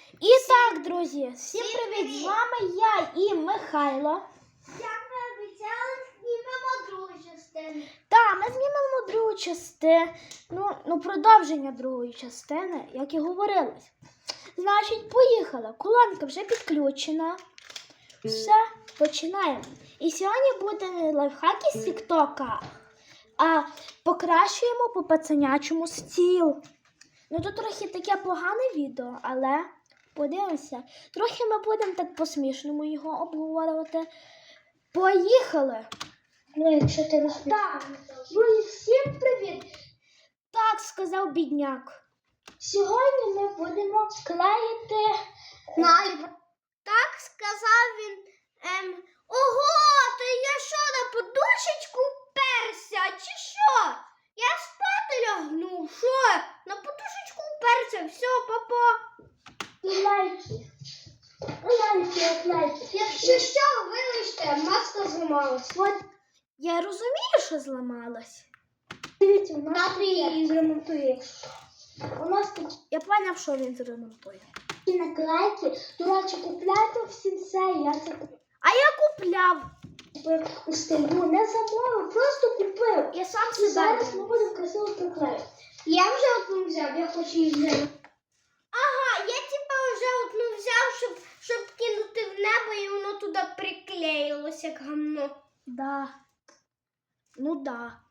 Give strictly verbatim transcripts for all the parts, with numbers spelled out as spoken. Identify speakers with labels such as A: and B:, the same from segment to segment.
A: І так, друзі, всім привіт! З вами я і Михайло.
B: Як ми обіцяли, знімемо другу частину.
A: Так, ми знімемо другу частину, ну, ну, продовження другої частини, як і говорилось. Значить, поїхали. Колонка вже підключена. Все, починаємо. І сьогодні буде не лайфхаки з Тіктока, а покращуємо по пацанячому стіл. Ну, тут трохи таке погане відео, але подивимося. Трохи ми будемо так по-смішному його обговорювати. Поїхали!
B: Ну, якщо ти не
A: Так, друзі, всім привіт! Так сказав бідняк. Сьогодні ми будемо склеїти
B: наліп. Так сказав він. Ем, Ого, то я що, на подушечку вперся, чи що? Я спати лягну, що? На подушечку вперся, все, папа.
A: лайки. Лайки, лайки.
B: Якщо що, вибачте, маска зламалась.
A: От я розумію, що зламалась.
B: Дивіться, у нас її зремонтує.
A: У нас тут... Я поняв, що він зремонтує.
B: І наклейки, до речі, купляйте всі це, я це
A: А я купляв.
B: купив у стилю, не замовив, просто купив.
A: Я сам
B: І
A: себе.
B: зараз ми будемо красиво приклеїти. Я вже одну взяв, я хочу її взяти. Ага, я типа вже одну взяв, щоб, щоб кинути в небо, і воно туди приклеїлося, як гамно.
A: Да. Ну да.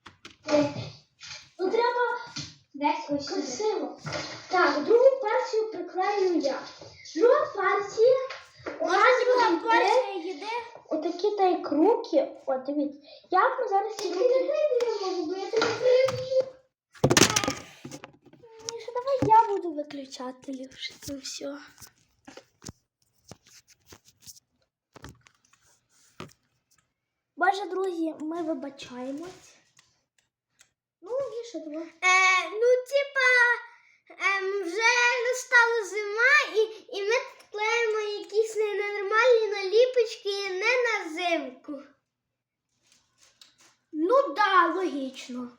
B: Ну треба десь ось красиво. Так, другу партію приклею я. Друга партія. У нас
A: друга
B: буде
A: партія їде.
B: отакі та й круки. От, дивіться. Як ми зараз їх можемо, бо я тебе приб'ю.
A: Міша, давай я буду виключати ліпше це все. Боже, друзі, ми вибачаємось. Ну, Міша, давай.
B: Е, ну, типа, ем, вже настала зима, і, і ми тут клеїмо якісь ненормальні наліпочки не на зимку.
A: Ну да, логічно.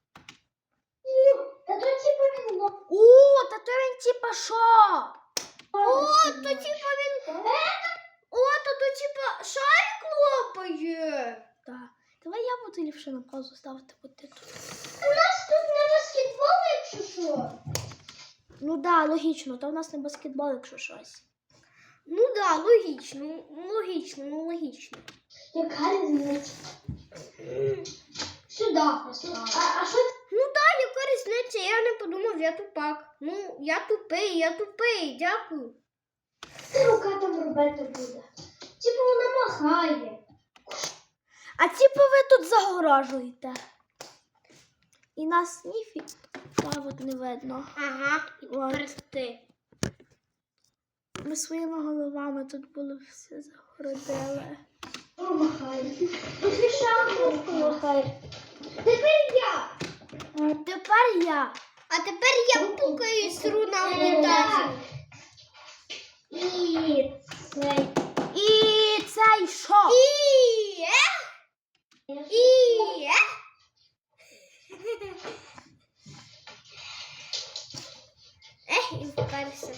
B: Та то типа він...
A: О, та то він типа що?
B: О, то типа він... О, то то типа шарик лопає.
A: Так. Давай я буду ліпше на паузу ставити, бо ти тут.
B: У нас тут не баскетбол, якщо що.
A: Ну да, логічно, то в нас не баскетбол, якщо щось.
B: Ну да, логічно, логічно, ну логічно. Яка різниця? Сюди поставити. А, а що? Ну да, яка різниця? Я не подумав, я тупак. Ну, я тупий, я тупий, дякую. Що рука там робити буде? Типу вона махає.
A: А типу ви тут загорожуєте. І нас ніфі... Та от не видно.
B: Ага, і
A: От.
B: персти.
A: Ми своїми головами тут було все загородили.
B: О, махає. Ти шапку махає. Тепер я.
A: Тепер я.
B: А тепер я пукаю і сру на унітазі. І цей.
A: І цей що?
B: І е? І е? Ех, і вперся.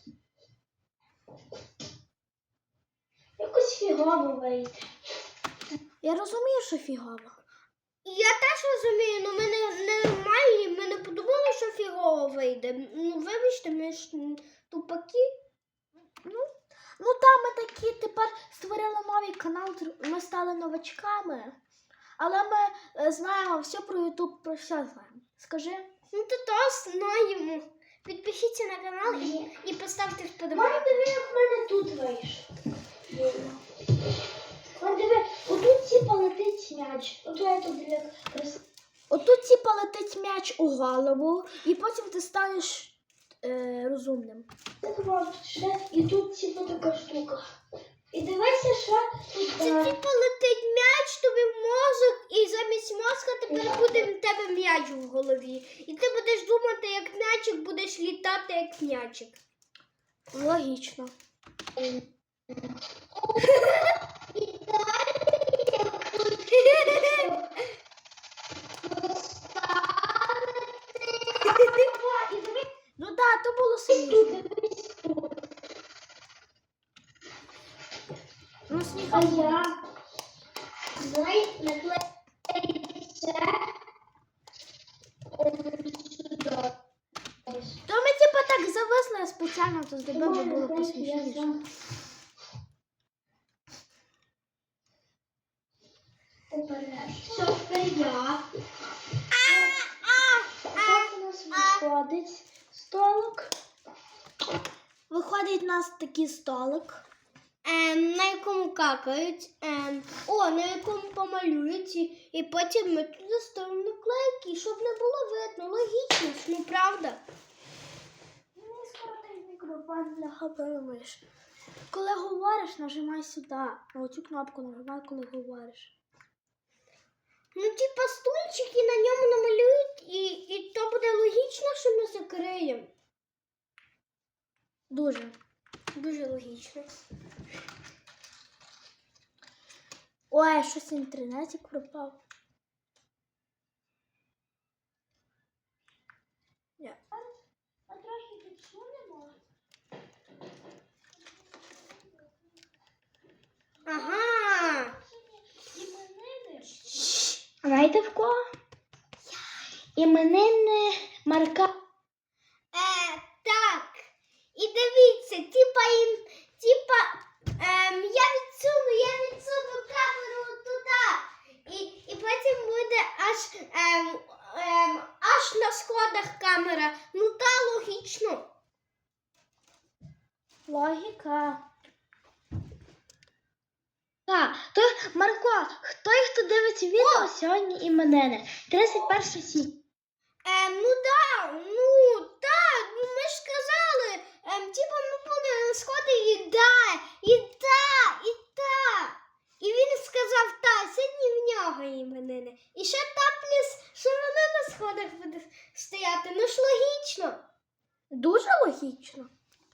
B: Якось фігово вийде.
A: Я розумію, що фігово.
B: Я теж розумію, але ми не, не нормальні, ми не подумали, що фігово вийде. Ну, вибачте, ми ж тупаки.
A: Ну, ну так, ми такі тепер створили новий канал, ми стали новачками. Але ми е, знаємо все про Ютуб, про все знаємо. Скажи.
B: Ну, то то знаємо. Підпишіться на канал і, і поставте вподобайку. Мама, диви, як в мене тут вийшло. Мама, диви, отут типа летить м'яч. Ото я тут диви.
A: Отут типа летить м'яч у голову, і потім ти станеш е, розумним.
B: І тут типа така штука. І дивися, що тут. Це типа летить м'яч тобі в мозок, і замість мозка тепер буде в тебе м'яч в голові. І ти будеш думати, як м'ячик, будеш літати, як м'ячик.
A: Логічно. Ну так, то було сильніше.
B: сніг.
A: А я?
B: Давай наклеїмо це сюди.
A: То ми типа так зависли, а спеціально то зробив, бо було посмішніше.
B: Все, тепер я.
A: Так у нас виходить столик. Виходить у нас такий столик.
B: Ем, на якому какають, ем, о, на якому помалюють, і, і потім ми туди ставимо наклейки, щоб не було видно. Логічно, ж, ну правда?
A: Мені скоро той мікрофон бляха перемиш. Коли говориш, нажимай сюди. На оцю кнопку нажимай, коли говориш.
B: Ну, типа стульчики на ньому намалюють, і, і то буде логічно, що ми закриємо.
A: Дуже.
B: Дуже логічно.
A: Ой, щось інтернетик пропав. Ні. А трохи підсунемо.
B: Ага.
A: Іменини.
B: Знаєте в кого? Іменини Марка. Е, так. І дивіться, типа, їм, типа, ем, я відсуну, я відсуну камеру туди. І, і потім буде аж, ем, ем, аж на сходах камера. Ну та логічно.
A: Логіка.
B: Так, то Марко, хто їх хто дивиться відео сьогодні іменини? тридцять перше січня. Ем, ну да, ну так, ну ми ж сказали, ем, типа ми будемо на сходи і да, і та, і та. І він сказав, та, сьогодні в нього іменини. І ще та плюс, що вона на сходах буде стояти, ну ж логічно.
A: Дуже логічно.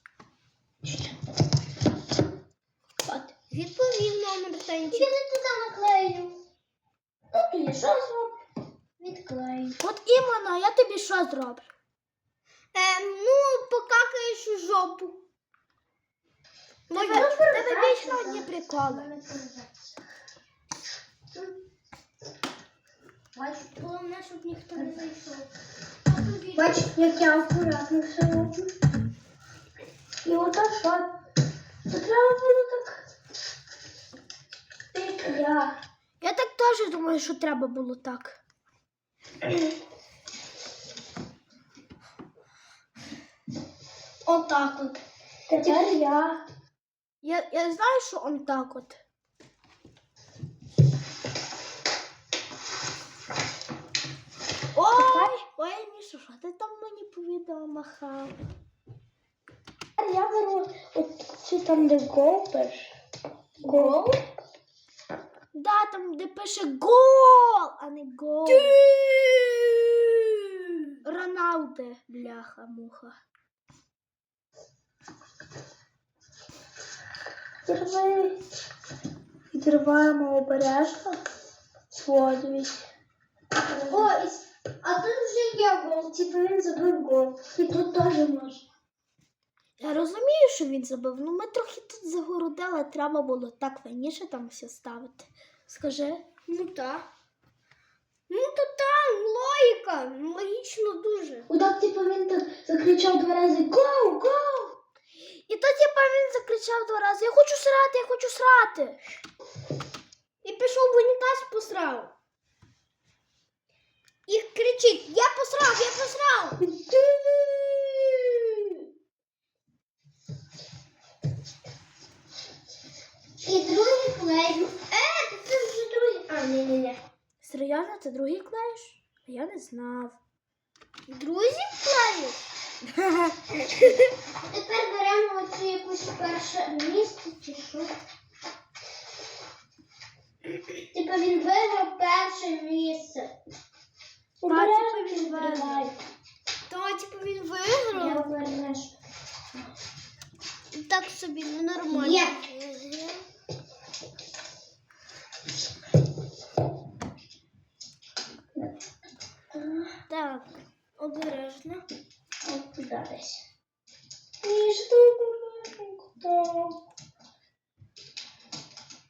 B: От, відповів номер танчик. Я не туди наклею. Ну, тоді що зроблю? Відклею.
A: От іменно, я тобі що зроблю?
B: Ем, ну, покакаєш у жопу.
A: Тебе, тебе вічно одні приколи.
B: Головне, щоб ніхто не зайшов.
A: Бач, як я акуратно все роблю. І отак що? То треба було так. Як я. Я так теж думаю, що треба було так.
B: Отак от.
A: Тепер я. Я, я знаю, що он так от. Ой, ой, Міша, що ти там мені по відео махав?
B: Я беру оцю там, де гол пише. Гол?
A: Да, там, де пише гол, а не гол. Роналде, бляха-муха.
B: Відривай. Відриваємо обережно. Сводить. О, і с- а тут вже є гол. Типу він забив гол. І тут теж можна.
A: Я розумію, що він забив, ну ми трохи тут загородили, треба було так раніше там все ставити. Скажи.
B: Ну так. Ну то там логіка. Логічно дуже.
A: Отак, типу, він так закричав два рази «Гоу! Гоу!» І то, типу, він закричав два рази «Я хочу срати, я хочу срати!»
B: І пішов в унітаз, посрав. І кричить «Я посрав, я посрав!» І другий клей. Е, це вже другий. А, ні-ні-ні.
A: Серйозно, це другий клеїш? Я не знав.
B: Друзі клею. Тепер беремо оцю якусь перше місце чи що. Типа він виграв перше місце.
A: А, типу, він виграв.
B: То, типу, він виграв.
A: Я вернеш.
B: Так собі, ну нормально.
A: Є.
B: Так, обережно.
A: От туди десь.
B: Ні, що обережно.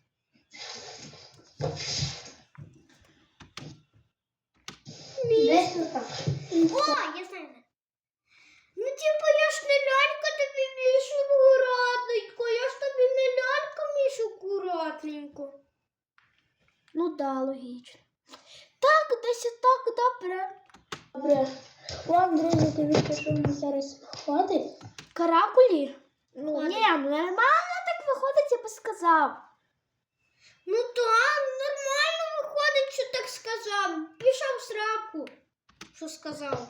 A: да, логічно. Так, десь так, добре.
B: Добре. Вам, друзі, дивіться, що мені зараз виходить.
A: Каракулі? Ну,
B: Ладно.
A: ні, ну нормально так виходить, я би сказав.
B: Ну так, нормально виходить, що так сказав. Пішов в сраку. Що сказав?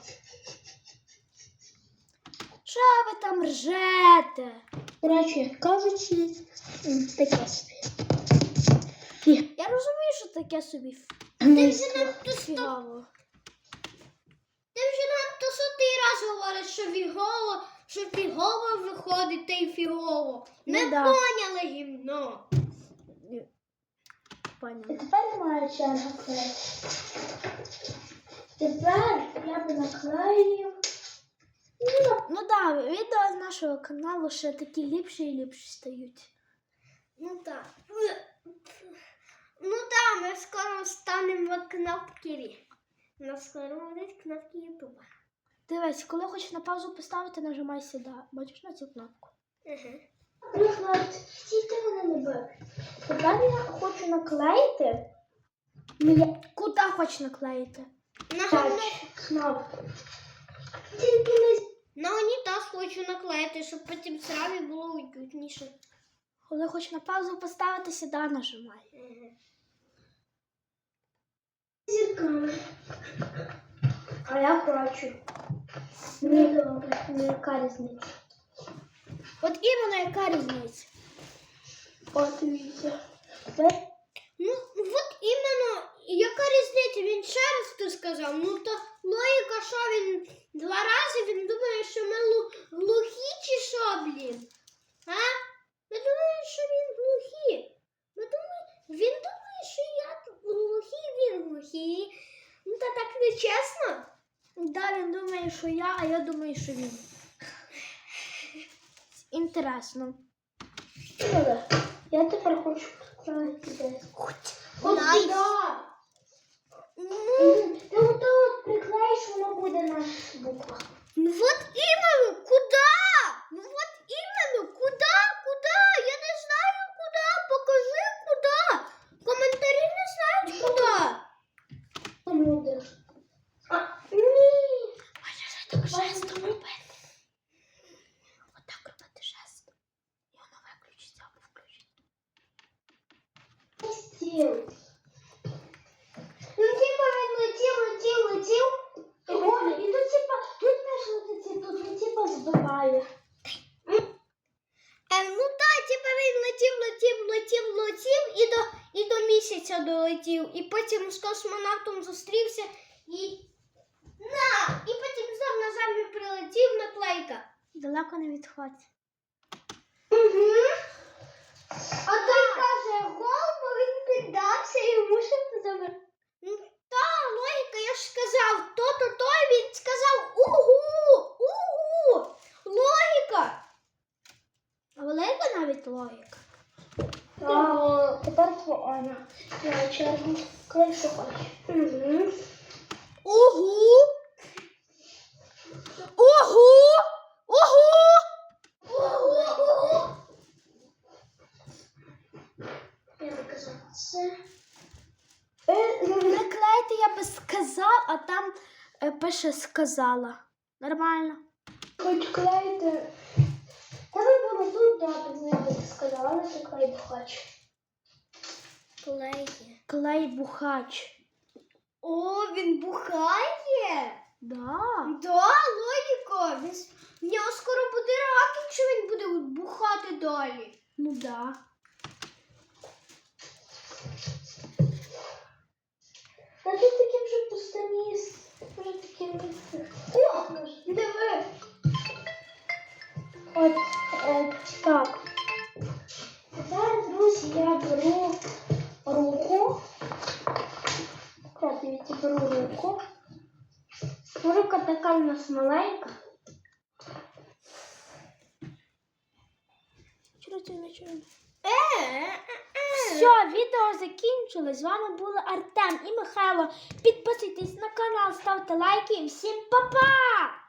A: Що ви там ржете?
B: Коротше, кажучи, таке собі.
A: Я розумію, що таке собі
B: Ти вже надто сто...
A: фігаво.
B: Ти вже надто сотий раз говориш, що фігово, що фігово виходить, та й фігово.
A: Ну
B: Ми
A: да.
B: поняли гімно.
A: Поняла.
B: І тепер моя черга клеїти. Тепер я би наклеїв.
A: Ну так, да, відео з нашого каналу ще такі ліпші і ліпші стають.
B: Ну так. Ну так, ми скоро станемо кнопки. У нас скоро будуть кнопки Ютуба.
A: Дивись, коли хочеш на паузу поставити, нажимай сюди. Бачиш на цю кнопку?
B: Ага. Наприклад, стійте мене не бив. Тепер я хочу наклеїти.
A: Куди хочеш наклеїти?
B: На кнопку. Тільки не на унітаз хочу наклеїти, щоб потім сразу було уютніше.
A: Коли хочеш на паузу поставити, сюди нажимай.
B: Ага. Зірками. А я хочу. Не добре, не яка різниця.
A: От іменно яка різниця?
B: От дивіться. Ну, от іменно, яка різниця? Він ще раз то сказав. Ну, то логіка, що він два рази, він думає, що ми лу- глухі чи що, блін? А? Ми думаємо, що він глухі. Ми думаємо, він думає, що я глухий, він глухий. Ну, та так не чесно.
A: Да, він думає, що я, а я думаю, що він. Інтересно.
B: Ну, я тепер хочу поклеїти десь. От
A: Найс.
B: сюди. Ну, ти ото приклеїш, воно буде наша буква. Ну от іменно, куди? Ну от іменно, куди, куди? Я не знаю куди, покажи куди. Коментарі не знають куди. Люди. А, ні.
A: Можеш так жестом робити. Отак робити жестом. І воно виключиться або включиться.
B: Стіл. Ну, типа, він летів, летів, летів. О, і тут, типа, тут теж летить, тут, ну, типа, збиває. Е, ну, так, типа, він летів, летів, летів, летів, і до, і до місяця долетів. І потім з космонавтом зустрівся, і... На! І потім знов на землю прилетів наклейка.
A: Далеко не відходь.
B: Угу. А той каже, гол, бо він піддався і йому ще забрати. Ну, та, логіка, я ж сказав, то-то, то, він сказав угу, угу, логіка.
A: А велика навіть логіка.
B: Так, тепер твоя. Я чергу, коли що хочеш. Угу.
A: Угу! Угу! Угу!
B: Угу. Я наказала це.
A: Приклеїти я би сказав, а там е, пише сказала. Нормально.
B: Хоч клеїти. Та ви було тут дати, не так сказала, що клей бухач. Клеє.
A: Клей бухач.
B: О, він бухає?
A: Да.
B: Да, логіка. Він, с- в нього скоро буде рак, якщо він буде бухати далі.
A: Ну да.
B: Та тут таким вже пустоміс. Вже таким. О, диви. От, е, так. Тепер, друзі, я беру руку. Так, дивіться, беру руку. Рука така у нас маленька.
A: Чого це не чую?
B: Е,
A: Все, відео закінчилось. З вами були Артем і Михайло. Підписуйтесь на канал, ставте лайки і всім па-па!